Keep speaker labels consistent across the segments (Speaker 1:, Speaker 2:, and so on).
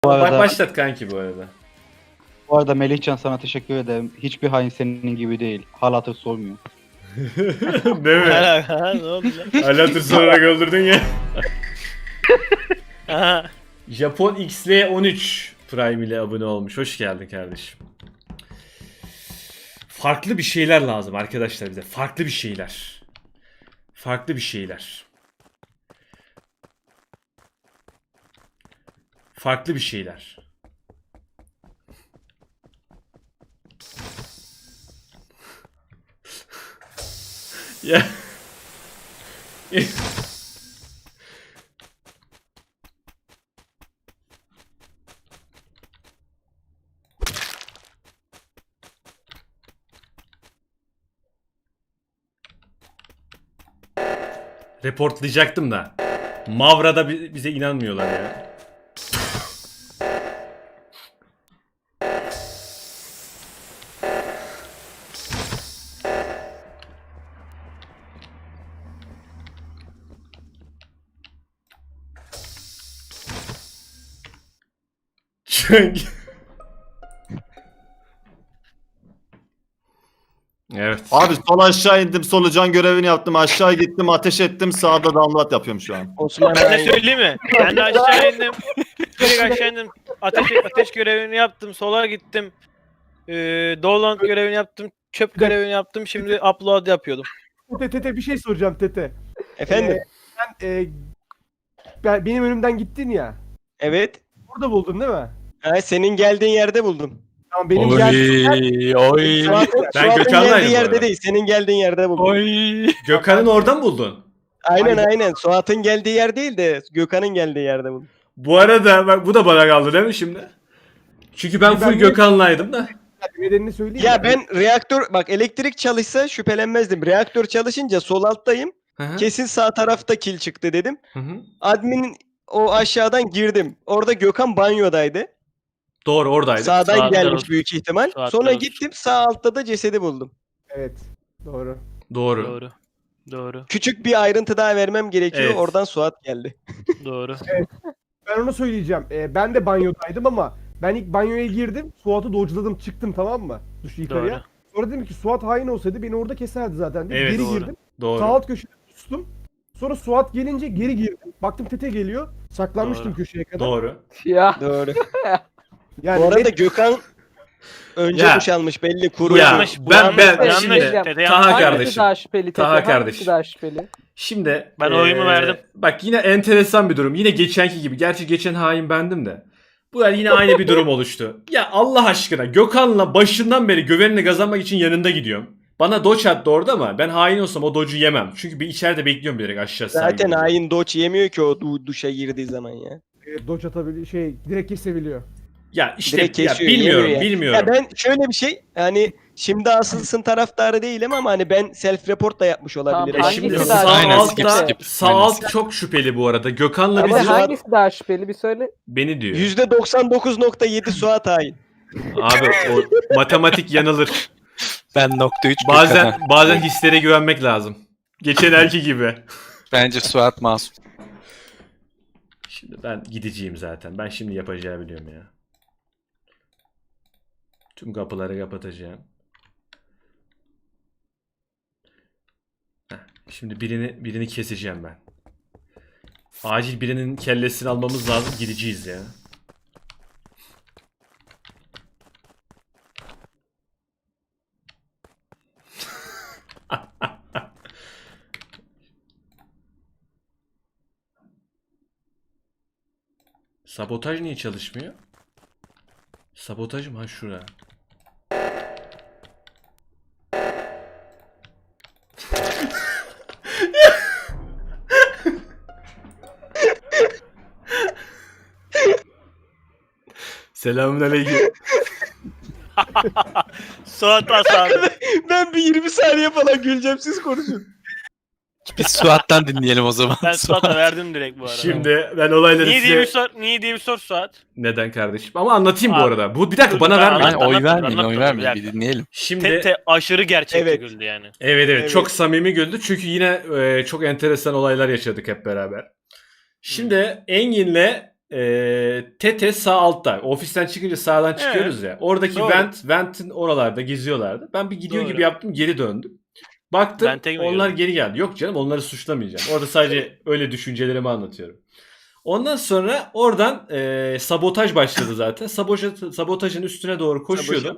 Speaker 1: Bu arada,
Speaker 2: Başlat kanki bu arada.
Speaker 1: bu arada Melihcan sana teşekkür ederim. Hiçbir hain senin gibi değil. Hal hatır sormuyor.
Speaker 2: Değil mi?
Speaker 3: Ne oldu lan?
Speaker 2: Alatır sorarak öldürdün ya.
Speaker 3: Aha.
Speaker 2: Japon XL13 Prime ile abone olmuş. Hoş geldin kardeşim. Farklı bir şeyler lazım arkadaşlar bize. Farklı bir şeyler. Farklı bir şeyler. Farklı bir şeyler. Ya. Reportlayacaktım da. Mavra'da bize inanmıyorlar ya. Çünkü... Evet.
Speaker 4: Abi sol aşağı indim, solucan görevini yaptım, aşağı gittim, ateş ettim, sağda download yapıyorum şu an.
Speaker 3: Osman ben de söyleyeyim mi? Ben de aşağı indim. Direkt aşağı indim. Ateş görevini yaptım. Sola gittim. Download görevini yaptım. Çöp görevini yaptım. Şimdi upload yapıyordum.
Speaker 5: Tete bir şey soracağım Tete.
Speaker 6: Efendim?
Speaker 5: Benim önümden gittin ya.
Speaker 6: Evet.
Speaker 5: Burada buldun değil mi?
Speaker 6: Ha, senin geldiğin yerde buldum.
Speaker 5: Tamam benim geldiğim
Speaker 3: Oy.
Speaker 2: Ben
Speaker 6: Gökhan'ın
Speaker 2: Gökhan'laydım
Speaker 6: geldiği
Speaker 2: bu
Speaker 6: yerde
Speaker 2: arada.
Speaker 6: değil. Senin geldiğin yerde buldum.
Speaker 3: Oy.
Speaker 2: Gökhan'ın oradan buldun.
Speaker 6: Aynen. Suat'ın geldiği yer değil de Gökhan'ın geldiği yerde buldum.
Speaker 2: Bu arada bak bu da bana kaldı değil mi şimdi? Çünkü ben full Gökhan'laydım da.
Speaker 5: nedenini söyleyeyim.
Speaker 6: Ya
Speaker 5: mi?
Speaker 6: ben bak elektrik çalışsa şüphelenmezdim. Reaktör çalışınca sol alttayım.
Speaker 2: Hı hı.
Speaker 6: Kesin sağ tarafta kil çıktı dedim.
Speaker 2: Hı hı.
Speaker 6: Admin'in o aşağıdan girdim. Orada Gökhan banyodaydı.
Speaker 2: Doğru oradaydı.
Speaker 6: Sağdan
Speaker 3: Saatler
Speaker 6: gelmiş
Speaker 3: olsun.
Speaker 6: büyük ihtimal.
Speaker 3: Saatler
Speaker 6: Sonra
Speaker 3: olsun.
Speaker 6: gittim sağ altta da cesedi buldum.
Speaker 5: Evet. Doğru.
Speaker 2: Doğru.
Speaker 3: Doğru. Doğru.
Speaker 6: Küçük bir ayrıntı daha vermem gerekiyor.
Speaker 2: Evet.
Speaker 6: Oradan Suat geldi.
Speaker 3: Doğru.
Speaker 5: Ben onu söyleyeceğim. Ben de banyodaydım ama ben ilk banyoya girdim. Suat'ı dodge'ladım çıktım tamam mı? Yukarıya.
Speaker 3: Doğru.
Speaker 5: Sonra dedim ki Suat hain olsaydı beni orada keserdi zaten. Dedim.
Speaker 2: Evet,
Speaker 5: Geri
Speaker 3: doğru.
Speaker 5: girdim. Sağ
Speaker 2: Doğru.
Speaker 5: alt köşede sustum. Sonra Suat gelince geri girdim. Baktım Tete geliyor. Saklanmıştım
Speaker 3: Doğru.
Speaker 5: köşeye kadar.
Speaker 2: Doğru.
Speaker 6: Doğru.
Speaker 5: Yani
Speaker 6: Bu arada
Speaker 5: net-
Speaker 6: Gökhan önce
Speaker 2: Ya.
Speaker 6: duş almış belli kuru.
Speaker 2: Ya
Speaker 3: Yanlış, bu
Speaker 2: ben
Speaker 3: yanlış,
Speaker 2: şimdi
Speaker 3: yanlış. Dede
Speaker 2: Taha
Speaker 3: yanlış.
Speaker 2: kardeşim.
Speaker 7: daha şüpheli?
Speaker 2: Taha
Speaker 7: Hangisi
Speaker 2: kardeşim.
Speaker 7: daha şüpheli?
Speaker 2: Şimdi
Speaker 3: Ben oyumu verdim.
Speaker 2: Bak yine enteresan bir durum. Yine geçenki gibi. Gerçi geçen hain bendim de. Bu yer yine aynı bir durum oluştu. Ya Allah aşkına Gökhan'la başından beri güvenini kazanmak için yanında gidiyorum. Bana doç attı orada ama ben hain olsam o doçu yemem. Çünkü bir içeride bekliyorum bilerek aşağı
Speaker 6: Zaten
Speaker 2: sahibi.
Speaker 6: hain doç yemiyor ki o duşa girdiği zaman ya.
Speaker 5: dodge atabiliyor. Direkt kesebiliyor.
Speaker 2: Ya işte
Speaker 6: Direkt
Speaker 2: ya
Speaker 6: kesiyor,
Speaker 2: bilmiyorum
Speaker 6: yemiyor ya.
Speaker 2: bilmiyorum.
Speaker 6: Ya ben şöyle bir şey hani şimdi asılsın taraftarı değilim ama hani ben self report da yapmış olabilirim.
Speaker 7: Tamam,
Speaker 2: Şimdi
Speaker 7: hangisi
Speaker 2: sağ
Speaker 7: daha
Speaker 8: Aynen,
Speaker 7: şüpheli?
Speaker 2: altta
Speaker 8: skip.
Speaker 2: sağ
Speaker 8: Aynen,
Speaker 2: alt
Speaker 8: skip.
Speaker 2: çok şüpheli bu arada. Gökhan'la
Speaker 7: Ama
Speaker 2: bizi
Speaker 7: hangisi daha şüpheli bir söyle.
Speaker 2: beni diyor.
Speaker 6: %99.7 Suat hain.
Speaker 2: Abi o matematik yanılır.
Speaker 8: Ben nokta 3
Speaker 2: Bazen hislere güvenmek lazım. Geçen erki gibi.
Speaker 8: Bence Suat masum.
Speaker 2: Şimdi ben gideceğim zaten. Ben şimdi yapacağımı biliyorum ya. Tüm kapıları kapatacağım. Heh, şimdi birini keseceğim ben. Acil birinin kellesini almamız lazım. Gideceğiz ya. Sabotaj niye çalışmıyor? Sabotaj mı? Ha şura. Selamünaleyküm.
Speaker 3: Suat as abi.
Speaker 6: Ben bir 20 saniye falan güleceğim siz konuşun.
Speaker 8: Biz Suat'tan dinleyelim o zaman.
Speaker 3: Ben Suat'a verdim direkt bu arada.
Speaker 2: Şimdi ben olayları
Speaker 3: Niye diye bir
Speaker 2: size...
Speaker 3: sor, niye diye bir sor Suat.
Speaker 2: Neden kardeşim? Ama anlatayım bu
Speaker 3: Abi,
Speaker 2: arada. Bu bir dakika
Speaker 3: dur,
Speaker 2: bana
Speaker 3: ben
Speaker 2: vermeyin.
Speaker 8: Hani
Speaker 3: anlatayım.
Speaker 8: oy vermeyin,
Speaker 3: Anlatmadım,
Speaker 8: oy
Speaker 3: bir
Speaker 8: vermeyin.
Speaker 3: dakika.
Speaker 8: Bir dinleyelim.
Speaker 2: Şimdi
Speaker 3: Tete aşırı gerçekçi
Speaker 6: Evet.
Speaker 3: güldü yani.
Speaker 2: evet,
Speaker 6: Evet.
Speaker 2: çok samimi güldü çünkü yine çok enteresan olaylar yaşadık hep beraber. Şimdi Engin'le Tete sağ altta. Ofisten çıkınca sağdan çıkıyoruz ya. Oradaki
Speaker 3: Doğru.
Speaker 2: Vent'in oralarda geziyorlardı. Ben bir gidiyor
Speaker 3: Doğru.
Speaker 2: gibi yaptım, geri döndüm. Baktım
Speaker 3: Vent'e mi
Speaker 2: onlar
Speaker 3: girdin?
Speaker 2: geri geldi. Yok canım, onları suçlamayacağım. Orada sadece öyle düşüncelerimi anlatıyorum. Ondan sonra oradan sabotaj başladı zaten. Sabotajın üstüne doğru koşuyordum.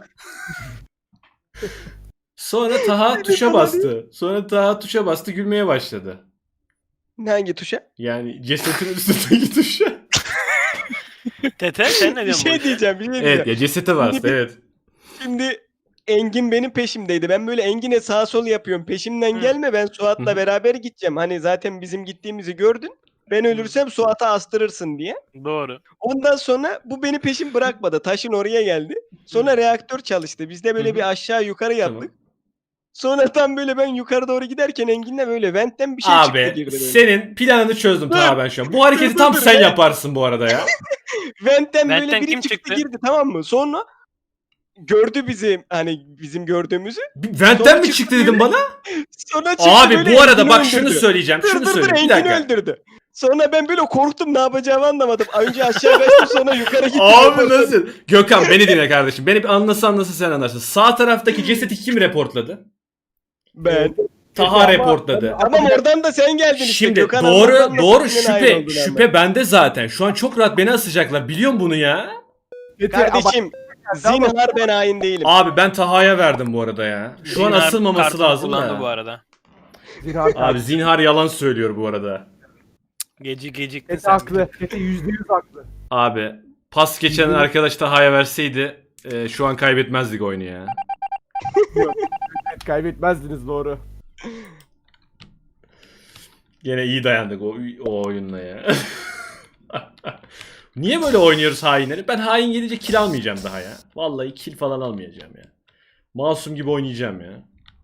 Speaker 2: Sonra Taha tuşa bastı. Sonra Taha tuşa bastı, gülmeye başladı.
Speaker 6: Hangi tuşa?
Speaker 2: Yani cesetin üstündeki tuşa.
Speaker 3: Tete sen ne
Speaker 6: Bir
Speaker 3: diyorsun bu
Speaker 6: şey
Speaker 3: işe?
Speaker 6: diyeceğim, bir şey diyeceğim.
Speaker 2: Evet ya, cesete bastı, evet.
Speaker 6: Şimdi Engin benim peşimdeydi. Ben böyle Engin'e sağ sol yapıyorum. Peşimden
Speaker 3: Hı.
Speaker 6: gelme, ben
Speaker 2: Hı
Speaker 6: Suat'la
Speaker 2: hı.
Speaker 6: beraber gideceğim. Hani zaten bizim gittiğimizi gördün. Ben ölürsem Suat'a astırırsın diye.
Speaker 3: Doğru.
Speaker 6: Ondan sonra bu beni peşim bırakmadı. Taşın oraya geldi. Sonra reaktör çalıştı. Biz de
Speaker 2: Hı
Speaker 6: böyle
Speaker 2: hı.
Speaker 6: bir aşağı yukarı yaptık.
Speaker 2: Tamam.
Speaker 6: Sonra tam böyle ben yukarı doğru giderken Engin'le böyle ventten bir şey çıktı
Speaker 2: Abi
Speaker 6: girdi böyle.
Speaker 2: senin planını çözdüm Taha ben şu an. Bu hareketi tam
Speaker 6: dur,
Speaker 2: sen
Speaker 6: dur.
Speaker 2: yaparsın bu arada ya.
Speaker 6: Ventten böyle
Speaker 3: Ventten
Speaker 6: biri
Speaker 3: kim
Speaker 6: çıktı
Speaker 3: çıktı?
Speaker 6: girdi, tamam mı? Sonra gördü bizi, hani bizim gördüğümüzü.
Speaker 2: Vent'ten
Speaker 6: Sonra
Speaker 2: mi
Speaker 6: çıktı
Speaker 2: çıktı dedim bana?
Speaker 6: Sonra çıktı
Speaker 2: Abi
Speaker 6: böyle
Speaker 2: bu arada
Speaker 6: Engin'i
Speaker 2: bak şunu
Speaker 6: öldürdü.
Speaker 2: söyleyeceğim.
Speaker 6: Dur
Speaker 2: Şunu
Speaker 6: dur dur,
Speaker 2: söyleyeyim. Bir
Speaker 6: Engin'i
Speaker 2: dakika.
Speaker 6: öldürdü. Sonra ben böyle korktum, ne yapacağımı anlamadım. Önce aşağı kaçtım, sonra yukarı gittim.
Speaker 2: Abi nasıl? Gökhan beni dinle kardeşim. Beni bir anlasa sen anlarsın. Sağ taraftaki cesedi kim reportladı?
Speaker 6: Ben.
Speaker 2: Taha
Speaker 5: Ama-
Speaker 2: reportladı.
Speaker 6: Tamam, oradan da sen geldin işte.
Speaker 2: Şimdi
Speaker 6: Gökhan
Speaker 2: doğru
Speaker 6: Anlat'tan da
Speaker 2: doğru
Speaker 6: seninle aynı
Speaker 2: şüphe
Speaker 6: oldular
Speaker 2: şüphe
Speaker 6: ama.
Speaker 2: bende zaten. Şu an çok rahat beni asacaklar. Biliyorum bunu ya.
Speaker 6: Kardeşim, zinhar ben hain değilim.
Speaker 2: Abi ben Taha'ya verdim bu arada ya. Şu an
Speaker 3: Zinhar
Speaker 2: asılmaması
Speaker 3: kartını
Speaker 2: lazım
Speaker 3: kullandı
Speaker 2: da.
Speaker 3: bu arada.
Speaker 2: Abi zinhar yalan söylüyor bu arada.
Speaker 3: Geciktin
Speaker 5: Tete
Speaker 3: sen.
Speaker 5: haklı. Tete %100 haklı.
Speaker 2: Abi pas geçen arkadaş Taha'ya verseydi şu an kaybetmezdik oyunu ya.
Speaker 5: Evet, kaybetmezdiniz, doğru.
Speaker 2: Gene iyi dayandık o oyunla ya. Niye böyle oynuyoruz hainleri? Ben hain gelince kill almayacağım daha ya. Vallahi kill falan almayacağım ya. Masum gibi oynayacağım ya.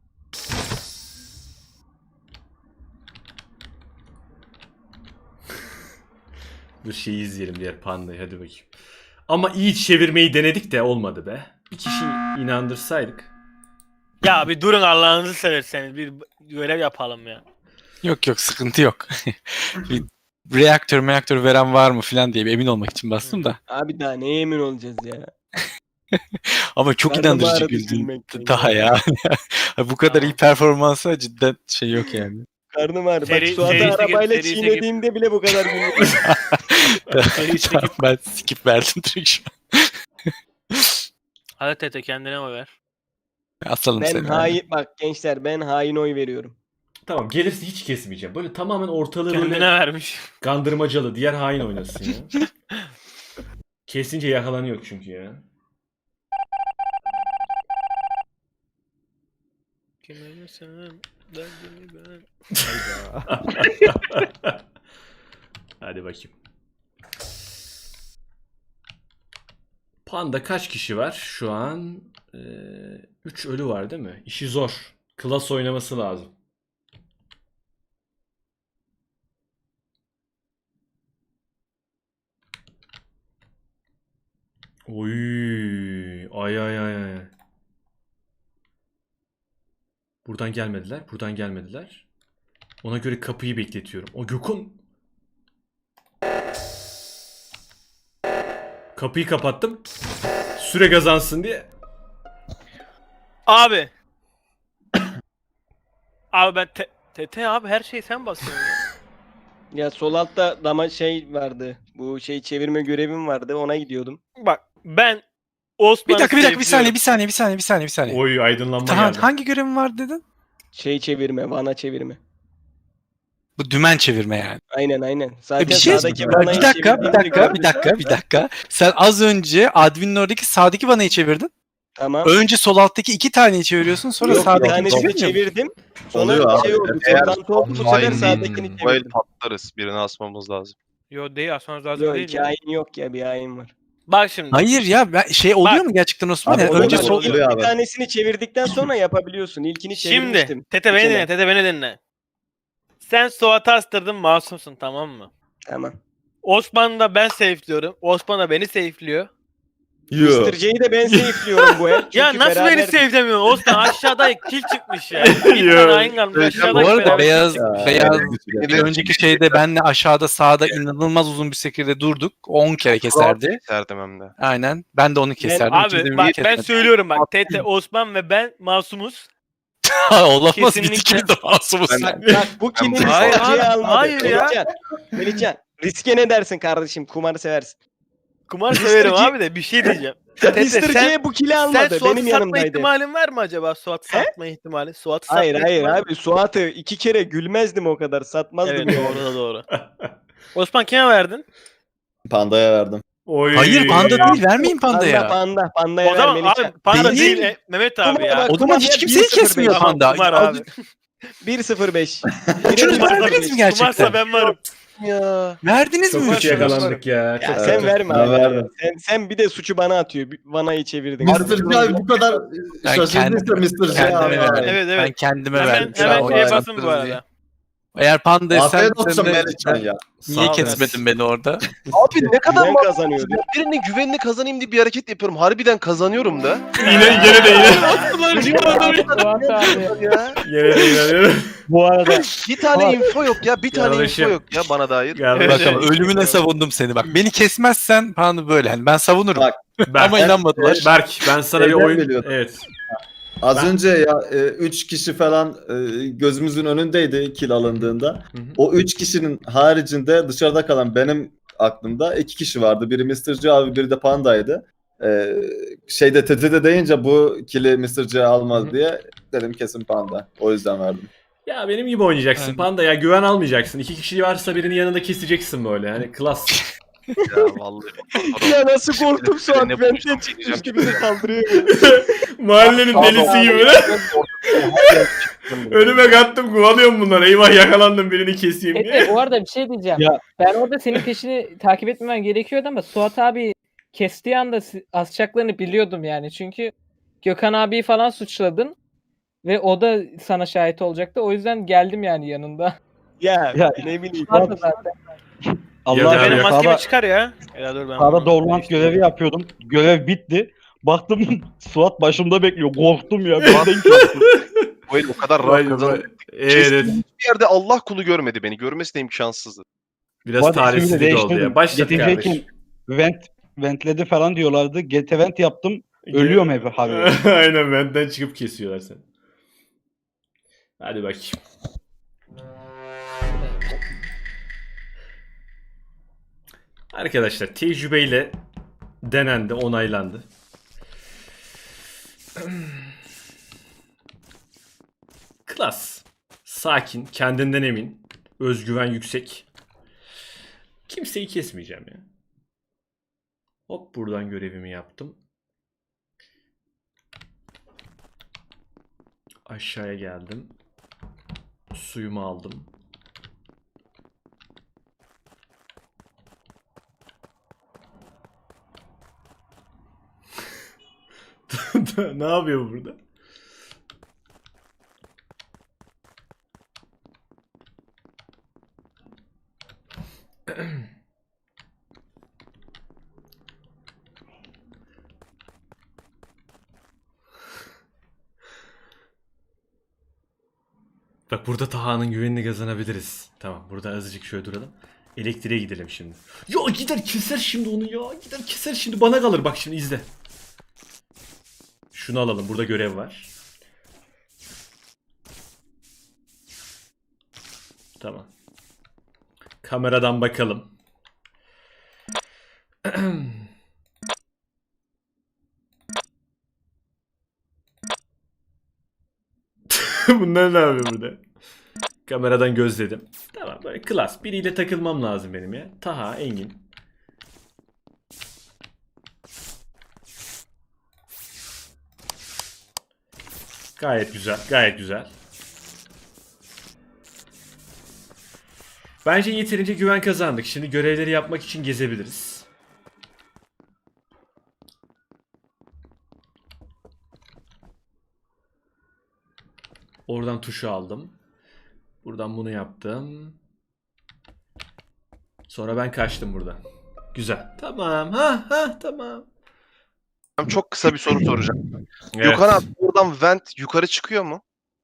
Speaker 2: Dur şeyi izleyelim, diğer pandayı, hadi bakayım. Ama iyi çevirmeyi denedik de olmadı be. Bir kişi inandırsaydık.
Speaker 3: Ya bir durun Allah'ınızı severseniz. Bir görev yapalım ya.
Speaker 8: Yok yok, sıkıntı yok. Bir reaktör veren var mı falan diye bir emin olmak için bastım da.
Speaker 6: Abi daha neye emin olacağız ya?
Speaker 8: Ama çok
Speaker 6: Karnım
Speaker 8: inandırıcı
Speaker 6: ağrıdı
Speaker 8: güldün
Speaker 6: gülmekten
Speaker 8: daha ya. Bu kadar iyi performansa cidden şey yok yani.
Speaker 6: Karnım ağrı. Bak
Speaker 3: Seri-
Speaker 6: Suat'ı
Speaker 3: serisi-
Speaker 6: arabayla
Speaker 3: serisi-
Speaker 6: çiğnediğimde bile bu kadar gülmedim.
Speaker 8: Tamam, ben skip verdim direkt şu an.
Speaker 3: Hadi Tete kendine oy ver.
Speaker 8: Asalım
Speaker 6: Ben
Speaker 8: seni.
Speaker 6: hain, bak gençler, ben hain oy veriyorum.
Speaker 2: Tamam, gelirse hiç kesmeyeceğim. Böyle tamamen ortalığı
Speaker 3: Kendine
Speaker 2: böyle
Speaker 3: vermiş.
Speaker 2: gandırmacalı, diğer hain oynasın ya. Kesince yakalanıyor çünkü ya.
Speaker 3: Kime sen? Derdimi ben.
Speaker 2: Hadi bakayım. Panda kaç kişi var şu an? 3 ölü var değil mi? İşi zor. Klas oynaması lazım. Oy, ay ay ay ay. Buradan gelmediler. Buradan gelmediler. Ona göre kapıyı bekletiyorum. O Gökhan. Kapıyı kapattım. Süre kazansın diye.
Speaker 3: Abi. Abi ben Tete abi her şeyi sen basıyorsun ya.
Speaker 6: Ya sol altta dama şey vardı. Bu şey çevirme görevim vardı. Ona gidiyordum.
Speaker 3: Bak ben Osman'ı
Speaker 8: Bir dakika bir
Speaker 3: sevdiyorum.
Speaker 8: saniye.
Speaker 2: Oy, aydınlanma
Speaker 8: Tahan,
Speaker 2: geldi.
Speaker 8: hangi görevin var dedin?
Speaker 6: Şey çevirme, vana çevirme.
Speaker 8: Bu dümen çevirme yani.
Speaker 6: Aynen. Zaten
Speaker 8: Bir şey
Speaker 6: sağdaki
Speaker 8: bir
Speaker 6: vanayı çevirdiğimi gördüm.
Speaker 8: dakika. Sen az önce adminin oradaki sağdaki vanayı çevirdin.
Speaker 6: Tamam.
Speaker 8: Önce sol alttaki 2 taneyi çeviriyorsun, sonra
Speaker 6: Yok, bir
Speaker 8: sağdaki
Speaker 6: tanesini çevirdim. Sonra
Speaker 4: Oluyor
Speaker 6: şey
Speaker 4: abi.
Speaker 6: oldu.
Speaker 9: Eğer
Speaker 6: Toplantı oldu. Bu sefer sağdakini
Speaker 9: Bu el
Speaker 6: çevirdim.
Speaker 9: patlarız. Birini asmamız lazım.
Speaker 3: Yo değil asmanız lazım
Speaker 6: Yok,
Speaker 3: değil
Speaker 6: iki
Speaker 3: ya.
Speaker 6: hain yok ya, bir hain var.
Speaker 3: Bak şimdi.
Speaker 8: Hayır ya, şey oluyor
Speaker 3: Bak.
Speaker 8: mu gerçekten Osman?
Speaker 4: Abi
Speaker 8: Yani
Speaker 4: oluyor,
Speaker 8: önce
Speaker 6: Önce
Speaker 8: sol
Speaker 4: oluyor.
Speaker 6: bir tanesini çevirdikten sonra yapabiliyorsun. İlkini çevirmiştim.
Speaker 3: Şimdi Tete beni dinle, Tete beni dinle. Sen Suat'ı astırdın, masumsun tamam mı?
Speaker 6: Tamam.
Speaker 3: Osman da ben safe'liyorum. Osman da beni safe'liyor.
Speaker 4: Yoo.
Speaker 6: Mr. J'yi de ben safe'liyorum bu el.
Speaker 3: Ya
Speaker 6: Çünkü
Speaker 3: nasıl beni
Speaker 6: beraber-
Speaker 3: sevdemiyorsun? Osman aşağıda kill çıkmış ya. Bir tane hain kalmış aşağıda.
Speaker 8: Bu arada
Speaker 3: beraber
Speaker 8: beyaz
Speaker 3: kill çıkmış.
Speaker 8: beyaz bir önceki şeyde benle aşağıda sağda inanılmaz uzun bir şekilde durduk. O 10 kere keserdi.
Speaker 9: Keserdim hem de.
Speaker 8: Aynen. Ben de onu keserdim. İkimiz de
Speaker 3: Abi
Speaker 8: birbirini
Speaker 3: bak ben
Speaker 8: kesmedik.
Speaker 3: söylüyorum bak. Tete, Osman ve ben masumuz.
Speaker 8: Olamaz bir
Speaker 3: Kesinlikle.
Speaker 8: ikimiz de masumuz.
Speaker 6: Bak bu kill'i
Speaker 3: Hayır
Speaker 6: Mr. C'ye
Speaker 3: abi,
Speaker 6: almadı.
Speaker 3: hayır ya.
Speaker 6: Melihcan, riske ne dersin kardeşim? Kumarı seversin.
Speaker 3: Kumar severim abi de bir şey diyeceğim. Tete
Speaker 6: Mr.
Speaker 3: sen,
Speaker 6: C bu kill'i
Speaker 3: sen
Speaker 6: almadı.
Speaker 3: Suat'ı
Speaker 6: Benim
Speaker 3: satma
Speaker 6: yanımdaydı.
Speaker 3: ihtimalin var mı acaba? Suat'ı satma ihtimali. Suat'ı satma
Speaker 6: Hayır
Speaker 3: ihtimali.
Speaker 6: abi Suat'ı 2 kere gülmezdim o kadar. Satmazdım.
Speaker 3: Evet
Speaker 6: yani.
Speaker 3: doğru da doğru. Osman kime verdin?
Speaker 4: Pandaya verdim.
Speaker 2: Oy.
Speaker 8: Hayır panda değil. Vermeyin pandaya.
Speaker 6: Pandaya
Speaker 3: O zaman
Speaker 6: ver Melihcan.
Speaker 3: abi panda
Speaker 8: Değil.
Speaker 3: değil, Mehmet abi ya.
Speaker 6: Bak,
Speaker 8: O zaman hiç
Speaker 6: Kumar
Speaker 8: kimseyi
Speaker 6: 1-0
Speaker 8: kesmiyor
Speaker 6: benim.
Speaker 8: panda.
Speaker 3: Kumar abi.
Speaker 6: 1-0-5.
Speaker 8: Üçünüz verdiniz mi gerçekten?
Speaker 3: Kumarsa ben varım.
Speaker 9: Ya.
Speaker 8: Verdiniz
Speaker 2: Çok
Speaker 8: mi?
Speaker 2: kötü yakalandık ya.
Speaker 6: Ya
Speaker 2: Çok
Speaker 6: sen
Speaker 2: kötü.
Speaker 6: verme
Speaker 4: Ben
Speaker 6: abi.
Speaker 4: verdim.
Speaker 6: Sen bir de suçu bana atıyor. Vanayı çevirdin.
Speaker 4: Mr. C abi bu kadar
Speaker 8: Ben
Speaker 4: şaşırdıysa Mr. C abi.
Speaker 8: kendime verdim.
Speaker 3: Evet, evet.
Speaker 8: Ben kendime
Speaker 3: Hemen,
Speaker 8: verdim.
Speaker 3: hemen
Speaker 8: Şu an
Speaker 3: şeye
Speaker 8: o
Speaker 3: basın bu
Speaker 8: yaptınız diye.
Speaker 3: arada.
Speaker 8: Eğer panda sen
Speaker 4: Afiyet olsun
Speaker 8: de
Speaker 4: Melihcan ya.
Speaker 8: niye
Speaker 3: Sağ ol,
Speaker 8: kesmedin beni orada?
Speaker 9: Abi ne kadar
Speaker 6: Ben
Speaker 9: mantıksız
Speaker 6: kazanıyordu.
Speaker 9: ya. Birinin güvenini kazanayım diye bir hareket yapıyorum. Harbiden kazanıyorum da.
Speaker 2: Yine gene de yine.
Speaker 7: Suat abi.
Speaker 9: Ya.
Speaker 2: Yine de inanıyorum.
Speaker 1: Bu arada
Speaker 9: Bir tane info yok ya. Bir tane
Speaker 2: Yanlışım.
Speaker 9: info yok ya bana dair.
Speaker 2: Kardeşim.
Speaker 8: Bak ama ölümüne savundum seni bak. Beni kesmezsen panda böyle. Hani ben savunurum.
Speaker 4: Bak,
Speaker 2: Berk,
Speaker 8: Ama inanmadılar.
Speaker 2: Berk ben sana bir
Speaker 4: Evden
Speaker 2: oyun...
Speaker 4: biliyordum.
Speaker 2: Evet.
Speaker 4: Az
Speaker 2: Ben-
Speaker 4: önce ya 3 kişi falan gözümüzün önündeydi kill alındığında.
Speaker 2: Hı hı.
Speaker 4: O 3 kişinin haricinde dışarıda kalan benim aklımda 2 kişi vardı. Biri Mr. C abi, biri de Panda'ydı. Şeyde TT'de deyince bu kill'i Mr. C almaz
Speaker 2: Hı hı.
Speaker 4: diye dedim kesin Panda. O yüzden verdim.
Speaker 2: Ya benim gibi oynayacaksın
Speaker 8: Aynen.
Speaker 2: panda ya güven almayacaksın. 2 kişi varsa birinin yanında keseceksin böyle. Hani klas.
Speaker 9: Ya vallahi.
Speaker 6: Ya nasıl korktum şu an.
Speaker 9: Ne
Speaker 6: Benden
Speaker 9: bulacağım,
Speaker 6: çıkmış
Speaker 9: diyeceğim.
Speaker 6: gibi de kaldırıyor.
Speaker 2: Mahallenin delisi gibi böyle. Önüme kattım kovalıyorum bunları. Eyvah yakalandım birini keseyim diye.
Speaker 7: Tete bu arada bir şey diyeceğim.
Speaker 1: Ya.
Speaker 7: Ben orada senin peşini takip etmemen gerekiyordu ama Suat abi kestiği anda asacaklarını biliyordum yani. Çünkü Gökhan abiyi falan suçladın ve o da sana şahit olacaktı. O yüzden geldim yani yanında.
Speaker 6: Ya
Speaker 1: Ya.
Speaker 6: ne bileyim.
Speaker 7: Suat da zaten.
Speaker 2: Ya
Speaker 1: Allah
Speaker 2: da
Speaker 3: Benim
Speaker 2: abi,
Speaker 3: maskemi
Speaker 1: sağda,
Speaker 3: çıkar ya. Ya dur ben.
Speaker 1: sağda Dorlant görevi yapıyordum. Görev bitti. Baktım Suat başımda bekliyor. Korktum ya. Birden kestim.
Speaker 9: Bu el o kadar
Speaker 2: Vay
Speaker 9: rahat
Speaker 2: be.
Speaker 9: kazandım.
Speaker 2: Evet.
Speaker 9: Kestiğim hiçbir yerde Allah kulu görmedi beni. Görmesi de imkansızdı.
Speaker 2: Biraz
Speaker 1: Bu arada ismini de
Speaker 2: talihsizlik oldu
Speaker 1: değiştirdim.
Speaker 2: ya. Başladık
Speaker 1: Getirecekken
Speaker 2: kardeşim.
Speaker 1: ventledi falan diyorlardı. GT vent yaptım. Ölüyorum hep abi.
Speaker 2: Aynen benden çıkıp kesiyorlar seni. Hadi bakayım. Arkadaşlar tecrübeyle denendi, onaylandı. Klas. Sakin, kendinden emin, özgüven yüksek. Kimseyi kesmeyeceğim ya. Hop buradan görevimi yaptım. Aşağıya geldim. Suyumu aldım. Ne yapıyor burada? Bak burada Taha'nın güvenini kazanabiliriz. Tamam burada azıcık şöyle duralım. Elektriğe gidelim şimdi. Ya gider keser şimdi onu ya. Gider keser şimdi bana kalır. Bak şimdi izle. Şunu alalım. Burada görev var. Tamam. Kameradan bakalım. Bunlar ne yapıyor burada? Kameradan gözledim. Tamam böyle klas. Biriyle takılmam lazım benim ya. Taha, Engin. Gayet güzel. Gayet güzel. Bence yeterince güven kazandık. Şimdi görevleri yapmak için gezebiliriz. Oradan tuşu aldım. Buradan bunu yaptım. Sonra ben kaçtım buradan. Güzel. Tamam. Ha tamam.
Speaker 9: Çok kısa bir soru soracağım.
Speaker 2: Evet.
Speaker 9: Gökhan abi buradan vent yukarı çıkıyor mu?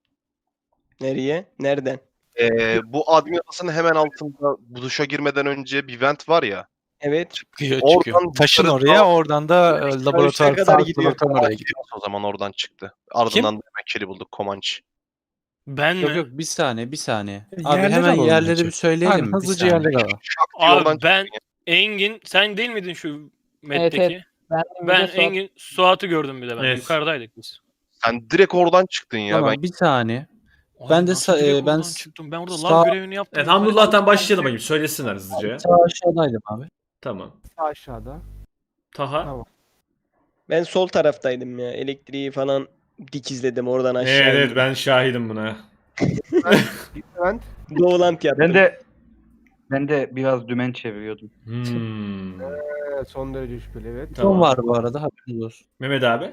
Speaker 6: Nereye? Nereden?
Speaker 9: Bu admin odasının hemen altında bu duşa girmeden önce bir vent var ya.
Speaker 6: Evet.
Speaker 8: Çıkıyor
Speaker 9: Oradan
Speaker 8: çıkıyor. Taşın
Speaker 9: yukarı
Speaker 8: oraya
Speaker 9: sağ-
Speaker 8: oradan da laboratuvar
Speaker 6: kadar
Speaker 8: sağlık
Speaker 6: gidiyor.
Speaker 8: laboratuvarına oraya gidiyor.
Speaker 9: O zaman oradan çıktı. Ardından da hemen kili bulduk Komanç.
Speaker 3: Ben
Speaker 10: Yok
Speaker 3: mi?
Speaker 10: yok bir saniye. Abi
Speaker 8: Yerleri
Speaker 10: hemen
Speaker 8: alalım
Speaker 10: yerleri
Speaker 8: bence.
Speaker 10: bir söyleyelim
Speaker 8: Aynen,
Speaker 10: mi? Bir
Speaker 8: hızlıca
Speaker 10: saniye.
Speaker 8: yerleri alalım.
Speaker 3: Abi ben Engin, sen değil miydin şu metteki?
Speaker 7: Evet. Ben,
Speaker 3: Ben Engin, Suat'ı gördüm bir de ben.
Speaker 2: Evet.
Speaker 3: Yukarıdaydık biz.
Speaker 9: Sen direkt oradan çıktın ya.
Speaker 10: Tamam
Speaker 9: Ben
Speaker 10: bir saniye.
Speaker 3: Ay,
Speaker 10: Ben de
Speaker 3: nasıl
Speaker 10: sa-
Speaker 3: direkt
Speaker 10: ben
Speaker 3: oradan
Speaker 10: s-
Speaker 3: çıktım. Ben orada
Speaker 10: sağ-
Speaker 3: lav görevini yaptım.
Speaker 2: Evet Hamdullah'tan başlayalım bakayım. Söylesinler hızlıca.
Speaker 10: Sağ aşağıdaydım abi.
Speaker 2: Tamam.
Speaker 5: Aşağıda.
Speaker 2: Taha.
Speaker 5: Tamam.
Speaker 6: Ben sol taraftaydım ya. Elektriği falan dikizledim oradan aşağı.
Speaker 2: Evet, evet
Speaker 6: indim.
Speaker 2: ben şahidim buna.
Speaker 5: Ben
Speaker 6: Doğulant yaptım.
Speaker 1: Ben de biraz dümen çeviriyordum.
Speaker 5: son derece şüpheli evet.
Speaker 2: Tamam.
Speaker 10: Son var bu arada haberiniz olsun.
Speaker 2: Mehmet abi.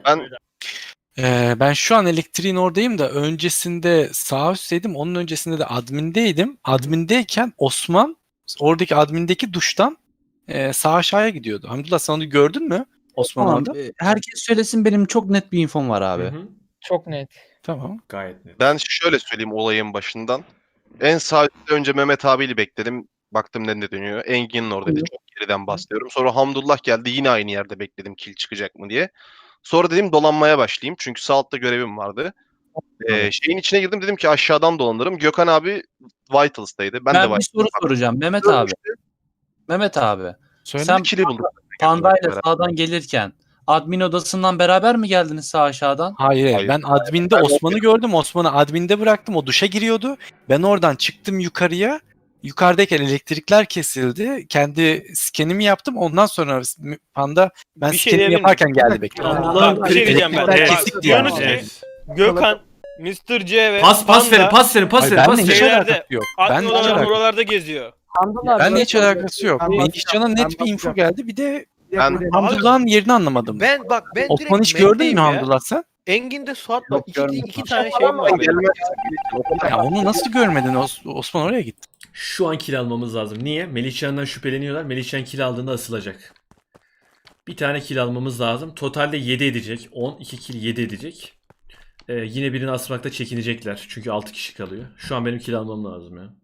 Speaker 8: Ben şu an elektriğin oradayım da öncesinde sağ üstteydim. Onun öncesinde de admindeydim. Admindeyken Osman oradaki admindeki duştan sağ aşağıya gidiyordu. Hamdullah sen onu gördün mü? Osman
Speaker 10: Tamam,
Speaker 8: orada.
Speaker 10: herkes söylesin benim çok net bir infom var abi.
Speaker 2: Hı hı.
Speaker 7: Çok net.
Speaker 8: Tamam.
Speaker 2: Gayet net.
Speaker 9: Ben şöyle söyleyeyim olayın başından. En sağ üstte önce Mehmet abiyle bekledim. Baktım ne dönüyor. Engin'in oradaydı. Çok geriden bahsediyorum. Sonra Hamdullah geldi. Yine aynı yerde bekledim kill çıkacak mı diye. Sonra dedim dolanmaya başlayayım. Çünkü sağ altta görevim vardı. Şeyin içine girdim. Dedim ki aşağıdan dolanırım. Gökhan abi Vitals'taydı. Ben de
Speaker 10: Ben bir soru
Speaker 9: Vitals'taydım.
Speaker 10: soracağım Mehmet abi. Mehmet abi.
Speaker 8: Söyle.
Speaker 10: Sen
Speaker 9: Kili buldum.
Speaker 10: Panda'yla sağdan gelirken admin odasından beraber mi geldiniz sağ aşağıdan?
Speaker 8: Hayır,
Speaker 9: Hayır.
Speaker 8: ben adminde Osman'ı gördüm. Osman'ı adminde bıraktım. O duşa giriyordu. Ben oradan çıktım yukarıya. Yukarıdayken elektrikler kesildi. Kendi skenimi yaptım. Ondan sonra Panda ben
Speaker 3: Bir şey
Speaker 8: skenimi
Speaker 3: diyebilir
Speaker 8: yaparken geldi bekliyor.
Speaker 2: Hamdullah'ın
Speaker 3: Bak, bir şey diyeceğim ben.
Speaker 2: Evet.
Speaker 8: Kesik diye
Speaker 3: Diyorsunuz ki
Speaker 2: Evet.
Speaker 3: Gökhan, Mr. C ve
Speaker 2: Pas
Speaker 3: Panda
Speaker 2: verin, pas verin, pas
Speaker 8: Hayır,
Speaker 2: verin, pas
Speaker 8: benle hiç
Speaker 2: verin.
Speaker 3: Şeylerde,
Speaker 8: alakası yok.
Speaker 3: admin
Speaker 8: Benle hiç
Speaker 3: odaları
Speaker 8: alakası yok.
Speaker 3: buralarda geziyor.
Speaker 7: Hamdullah
Speaker 8: Benle
Speaker 7: abi,
Speaker 8: hiç alakası yok.
Speaker 5: Ben
Speaker 8: Melihcan'a
Speaker 5: bakacağım,
Speaker 8: net
Speaker 5: ben
Speaker 8: bir info
Speaker 5: bakacağım.
Speaker 8: geldi. Bir de
Speaker 9: Ben-
Speaker 8: Hamdullah'ın yerini anlamadım.
Speaker 3: Ben
Speaker 8: Osman hiç gördün mü Hamdullah sen?
Speaker 3: Engin'de Suat
Speaker 10: Yok,
Speaker 3: bak iki
Speaker 10: görmedim.
Speaker 3: tane şey var. benim.
Speaker 8: Ya onu nasıl görmedin? Osman oraya gitti.
Speaker 2: Şu an kill almamız lazım. Niye? Melihcan'dan şüpheleniyorlar. Melihcan kill aldığında asılacak. Bir tane kill almamız lazım. Totalde 7 edecek. 10, 2 kill 7 edecek. Yine birini asmakta çekinecekler. Çünkü 6 kişi kalıyor. Şu an benim kill almam lazım ya.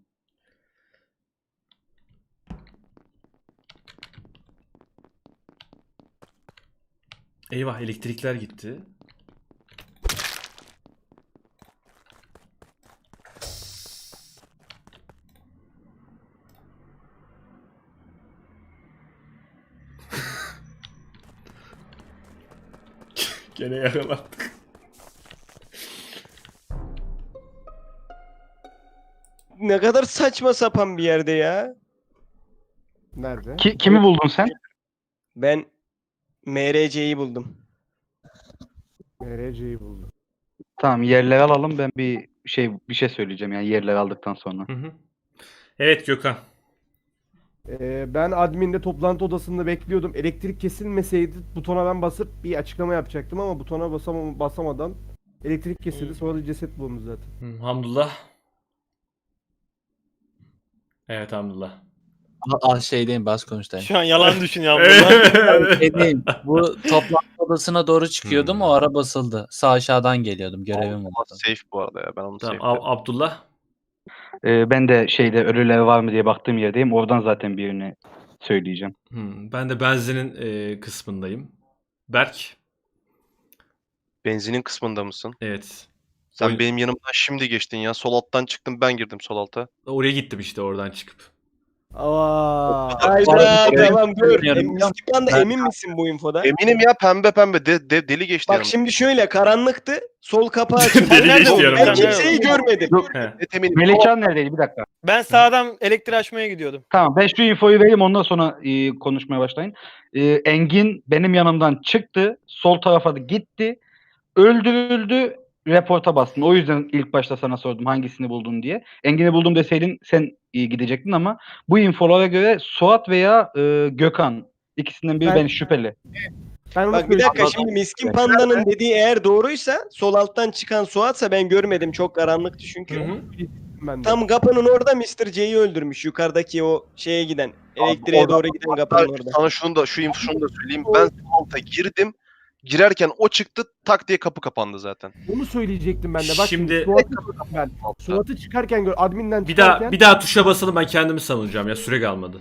Speaker 2: Eyvah elektrikler gitti. Gene yakalandık.
Speaker 6: Ne kadar saçma sapan bir yerde ya.
Speaker 5: Nerede?
Speaker 1: Kimi buldun sen?
Speaker 6: Ben MRC'yi buldum.
Speaker 5: MRC'yi buldum.
Speaker 1: Tamam, yerleri alalım. Ben bir şey söyleyeceğim yani yerleri aldıktan sonra.
Speaker 2: Hı hı. Evet Gökhan.
Speaker 5: Ben adminde toplantı odasında bekliyordum. Elektrik kesilmeseydi butona ben basıp bir açıklama yapacaktım ama butona basamadan elektrik kesildi. Sonra da ceset bulundu zaten.
Speaker 2: Hamdullah. Evet Hamdullah.
Speaker 10: Şeydeyim bas konuştayım.
Speaker 3: Şu an yalan düşünüyor bunlar.
Speaker 10: Şeydeyim. Bu toplantı odasına doğru çıkıyordum. O ara basıldı. Sağ aşağıdan geliyordum. Görevim
Speaker 9: Allah
Speaker 10: vardı.
Speaker 9: safe bu arada ya. Ben onu
Speaker 2: Tamam
Speaker 9: safe.
Speaker 2: Abdullah.
Speaker 1: Ben de ölüler var mı diye baktığım yerdeyim. Oradan zaten birini söyleyeceğim.
Speaker 2: Ben de benzinin kısmındayım. Berk.
Speaker 9: Benzinin kısmında mısın?
Speaker 2: Evet.
Speaker 9: Sen
Speaker 2: Oyun-
Speaker 9: benim yanımdan şimdi geçtin ya. Sol alttan çıktım, ben girdim sol alta.
Speaker 2: Oraya gittim işte oradan çıkıp.
Speaker 6: Hayda tamam dur.
Speaker 10: Bilmiyorum.
Speaker 6: Müslüman'da emin misin bu infoda?
Speaker 9: Eminim ya, pembe deli geçti
Speaker 6: Bak
Speaker 9: yanımdan.
Speaker 6: şimdi şöyle karanlıktı. Sol kapağı açıldı.
Speaker 2: Deli
Speaker 6: Nerede
Speaker 2: geçti
Speaker 6: oldun?
Speaker 2: yanımdan.
Speaker 6: Ben kimseyi görmedim.
Speaker 2: He.
Speaker 9: Net eminim.
Speaker 1: Melihcan neredeydi? Bir dakika.
Speaker 3: Ben sağdan elektriği açmaya gidiyordum.
Speaker 1: Tamam, ben şu infoyu vereyim, ondan sonra konuşmaya başlayın. Engin benim yanımdan çıktı. Sol tarafa da gitti. Öldürüldü. Reporta bastın. O yüzden ilk başta sana sordum hangisini buldun diye. Engin'i buldum deseydin sen gidecektin ama bu infolara göre Suat veya Gökhan, ikisinden biri
Speaker 5: Ben-
Speaker 1: şüpheli.
Speaker 5: Ben onu
Speaker 6: Bak bir dakika
Speaker 5: söyleyeceğim.
Speaker 6: şimdi Miskin Panda'nın dediği eğer doğruysa sol alttan çıkan Suat'sa ben görmedim. Çok karanlıktı çünkü.
Speaker 5: Ben de.
Speaker 6: Tam kapının orada Mr. C'yi öldürmüş. Yukarıdaki o şeye giden. Elektriğe
Speaker 9: orada-
Speaker 6: doğru giden kapının orada.
Speaker 9: Sana şunu da söyleyeyim. Ben sol alta girdim. Girerken o çıktı, tak diye kapı kapandı zaten.
Speaker 5: Onu söyleyecektim ben de. Bak
Speaker 2: Şimdi-
Speaker 5: Suat'ı çıkarken gör adminden
Speaker 2: Bir
Speaker 5: çıkarken
Speaker 2: daha tuşa basalım, ben kendimi savunacağım ya, süre kalmadı.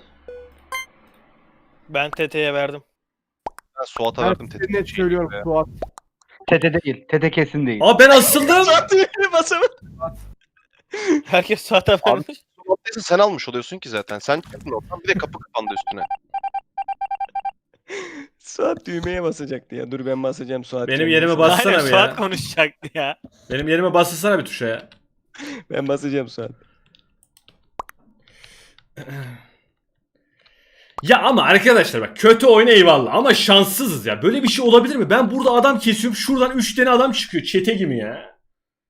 Speaker 3: Ben TT'ye verdim.
Speaker 9: Ben Suat'a
Speaker 5: ben
Speaker 9: verdim.
Speaker 5: size net söylüyorum Suat.
Speaker 1: Tete değil. Tete kesin değil.
Speaker 2: Aa, ben asıldım.
Speaker 6: Suat düğmeye basamadı.
Speaker 3: Herkes Suat'a vermiş.
Speaker 9: Suat'taysa sen almış oluyorsun ki zaten. Sen çıktın oradan, bir de kapı kapandı üstüne.
Speaker 6: Suat düğmeye basacaktı ya. Dur ben basacağım Suat.
Speaker 2: Benim
Speaker 6: kendisi.
Speaker 2: yerime bassana
Speaker 3: Aynen
Speaker 2: bir
Speaker 3: Suat
Speaker 2: ya.
Speaker 3: konuşacaktı ya.
Speaker 2: Benim yerime bassana bir tuşa ya.
Speaker 6: Ben basacağım Suat.
Speaker 2: Ya ama arkadaşlar bak, kötü oyun eyvallah ama şanssızız ya. Böyle bir şey olabilir mi? Ben burada adam kesiyorum, şuradan 3 tane adam çıkıyor çete gibi ya.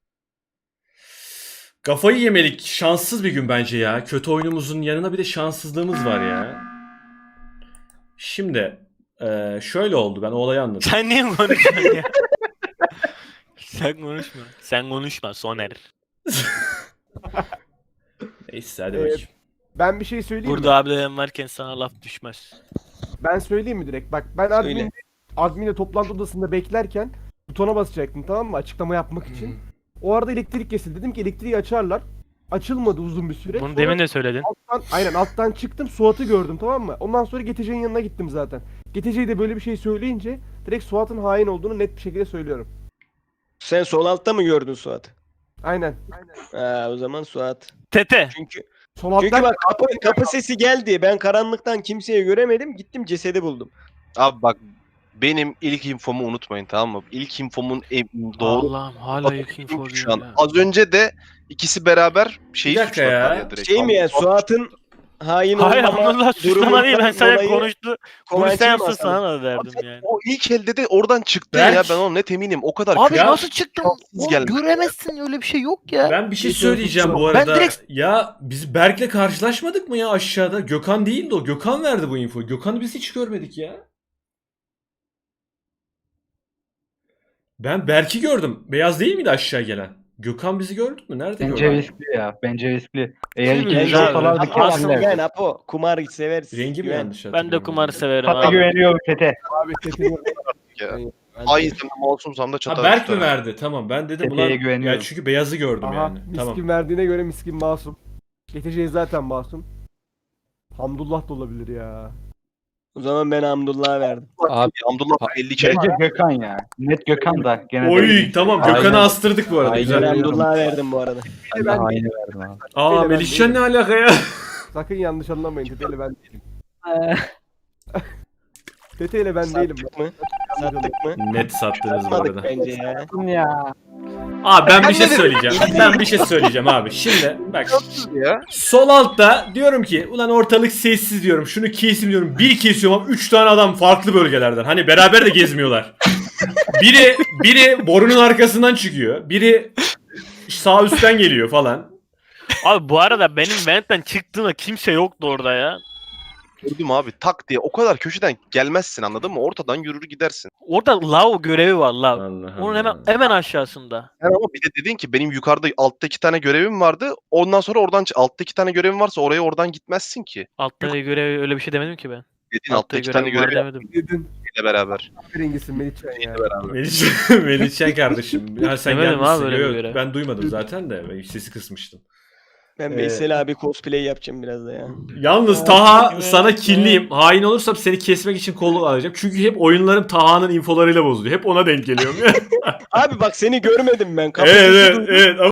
Speaker 2: Kafayı yemelik, şanssız bir gün bence ya. Kötü oyunumuzun yanına bir de şanssızlığımız var ya. Şimdi şöyle oldu, ben o olayı anladım.
Speaker 3: Sen niye konuşuyorsun ya? Sen konuşma. Sen konuşma Soner.
Speaker 2: Neyse hadi bakayım.
Speaker 5: Ben bir şey söyleyeyim mi?
Speaker 3: Burada abilerim varken sana laf düşmez.
Speaker 5: Ben söyleyeyim mi direkt? Bak ben
Speaker 6: Söyle.
Speaker 5: adminle toplantı odasında beklerken butona basacaktım, tamam mı? Açıklama yapmak için. O arada elektrik kesildi. Dedim ki elektriği açarlar. Açılmadı uzun bir süre.
Speaker 3: Bunu
Speaker 5: Sonra
Speaker 3: demin de söyledin.
Speaker 5: alttan çıktım, Suat'ı gördüm, tamam mı? Ondan sonra GTC'nin yanına gittim zaten. GTC'ye de böyle bir şey söyleyince direkt Suat'ın hain olduğunu net bir şekilde söylüyorum.
Speaker 6: Sen sol altta mı gördün Suat?
Speaker 5: Aynen.
Speaker 6: Ha, o zaman Suat.
Speaker 3: Tete.
Speaker 6: Çünkü
Speaker 5: Sol
Speaker 6: çünkü
Speaker 5: alttan
Speaker 6: bak kapı sesi geldi. Ben karanlıktan kimseyi göremedim. Gittim cesedi buldum.
Speaker 9: Abi bak, benim ilk infomu unutmayın, tamam mı? İlk infomun doğru
Speaker 3: Allah'ım hala ilk info
Speaker 9: şu an. Az önce de ikisi beraber şeyi
Speaker 2: Bir dakika
Speaker 9: suçladılar
Speaker 2: ya.
Speaker 9: ya direkt.
Speaker 6: Şey mi yani Suat'ın hain
Speaker 3: Hayır
Speaker 6: olmama
Speaker 3: Abdullah suçlama değil, ben sadece
Speaker 6: dolayı
Speaker 3: konuştu.
Speaker 6: Kovanç'ı
Speaker 3: Bunu sen
Speaker 6: mı
Speaker 3: yapsın
Speaker 6: asalım?
Speaker 3: sana da verdim yani.
Speaker 9: O ilk elde de oradan çıktı
Speaker 2: Berk.
Speaker 9: ya, ben ona net eminim. O kadar
Speaker 3: Abi
Speaker 9: kötü.
Speaker 3: nasıl çıktın?
Speaker 9: şanssız
Speaker 3: Oğlum
Speaker 9: geldi.
Speaker 3: göremezsin, öyle bir şey yok ya.
Speaker 2: Ben bir şey söyleyeceğim bu
Speaker 3: Ben
Speaker 2: arada.
Speaker 3: direkt-
Speaker 2: Ya biz Berk'le karşılaşmadık mı ya aşağıda? Gökhan değildi o. Gökhan verdi bu infoyu. Gökhan'ı biz hiç görmedik ya. Ben Berk'i gördüm. Beyaz değil miydi aşağı gelen? Gökhan bizi gördü mü? Nerede
Speaker 1: Bence
Speaker 2: Gökhan?
Speaker 1: riskli ya. Bence riskli. Eğer
Speaker 2: Değil mi?
Speaker 1: ikimiz
Speaker 2: Güzel.
Speaker 1: olsalardı
Speaker 6: Apo asıl
Speaker 1: kesinler.
Speaker 6: güven Apo. Kumar seversin.
Speaker 2: Rengi mi
Speaker 6: Güven.
Speaker 2: yanlış
Speaker 3: Ben
Speaker 2: hatırlıyorum?
Speaker 3: de kumarı severim
Speaker 1: Tata
Speaker 3: abi.
Speaker 1: güveniyorum Tete.
Speaker 5: abi sesini
Speaker 9: Hain masumsam da
Speaker 2: Ha,
Speaker 9: çatar.
Speaker 2: Berk mi verdi? Tamam, ben dedim
Speaker 1: Tepeye
Speaker 2: ulan.
Speaker 1: güveniyorum.
Speaker 2: Ya çünkü beyazı gördüm
Speaker 5: Aha,
Speaker 2: yani.
Speaker 5: miskin
Speaker 2: Tamam.
Speaker 5: verdiğine göre miskin masum. GTC zaten masum. Hamdullah da olabilir ya.
Speaker 6: O zaman ben Hamdullah'a verdim.
Speaker 10: Abi
Speaker 9: Abdullah 50 kere.
Speaker 1: Bence Gökhan ya. Net Gökhan da gene
Speaker 2: Oy
Speaker 1: de.
Speaker 2: tamam,
Speaker 10: Aynen.
Speaker 2: Gökhan'ı astırdık bu arada.
Speaker 10: Aynen.
Speaker 2: Güzel.
Speaker 6: Ben Hamdullah'a verdim bu arada.
Speaker 10: ben de haini verdim abi.
Speaker 2: Aa,
Speaker 5: Ben
Speaker 2: Melihcan ne
Speaker 5: değilim.
Speaker 2: alaka ya?
Speaker 5: Sakın yanlış anlamayın. Tete ile ben değilim.
Speaker 7: Ee,
Speaker 5: Tete ile ben değilim.
Speaker 6: Sattık mı? Sattık mı?
Speaker 2: Net sattınız bu
Speaker 6: Satmadık
Speaker 2: arada.
Speaker 6: bence ya.
Speaker 7: ya.
Speaker 2: Abi ben bir şey söyleyeceğim. Ben bir şey söyleyeceğim abi. Şimdi bak.
Speaker 9: Ya.
Speaker 2: Sol altta diyorum ki ulan ortalık sessiz diyorum. Şunu kesim diyorum. Bir kesiyorum ama 3 tane adam farklı bölgelerden. Hani beraber de gezmiyorlar. Biri borunun arkasından çıkıyor. Biri sağ üstten geliyor falan.
Speaker 3: Abi bu arada benim ventten çıktığımda kimse yoktu orada ya.
Speaker 9: Gördüm abi, tak diye o kadar köşeden gelmezsin, anladın mı? Ortadan yürür gidersin.
Speaker 3: Orada lav görevi var lav.
Speaker 2: Allah
Speaker 3: Onun
Speaker 2: Allah.
Speaker 3: hemen aşağısında.
Speaker 9: Yani ama bir de dedin ki benim yukarıda altta 2 tane görevim vardı. Ondan sonra oradan altta 2 tane görevim varsa oraya oradan gitmezsin ki.
Speaker 3: Altta görevi öyle bir şey demedim ki ben.
Speaker 9: Dedin altta 2 tane
Speaker 3: görevi var
Speaker 9: görev
Speaker 3: demedim.
Speaker 5: Dedin.
Speaker 9: ile beraber.
Speaker 5: Rengisin Melihcan ya.
Speaker 2: Melihcan kardeşim. Ya sen
Speaker 3: Demedim
Speaker 2: gelmişsin.
Speaker 3: abi öyle bir
Speaker 2: Yok,
Speaker 3: göre.
Speaker 2: ben duymadım zaten de. Ben sesi kısmıştım.
Speaker 6: Ben Veysel abi cosplay yapacağım biraz da ya.
Speaker 2: Yalnız Taha sana kinliyim. Hain olursam seni kesmek için kolluk alacağım. Çünkü hep oyunlarım Taha'nın infolarıyla bozuluyor. Hep ona denk geliyorum.
Speaker 6: Abi bak seni görmedim ben.
Speaker 2: evet, evet.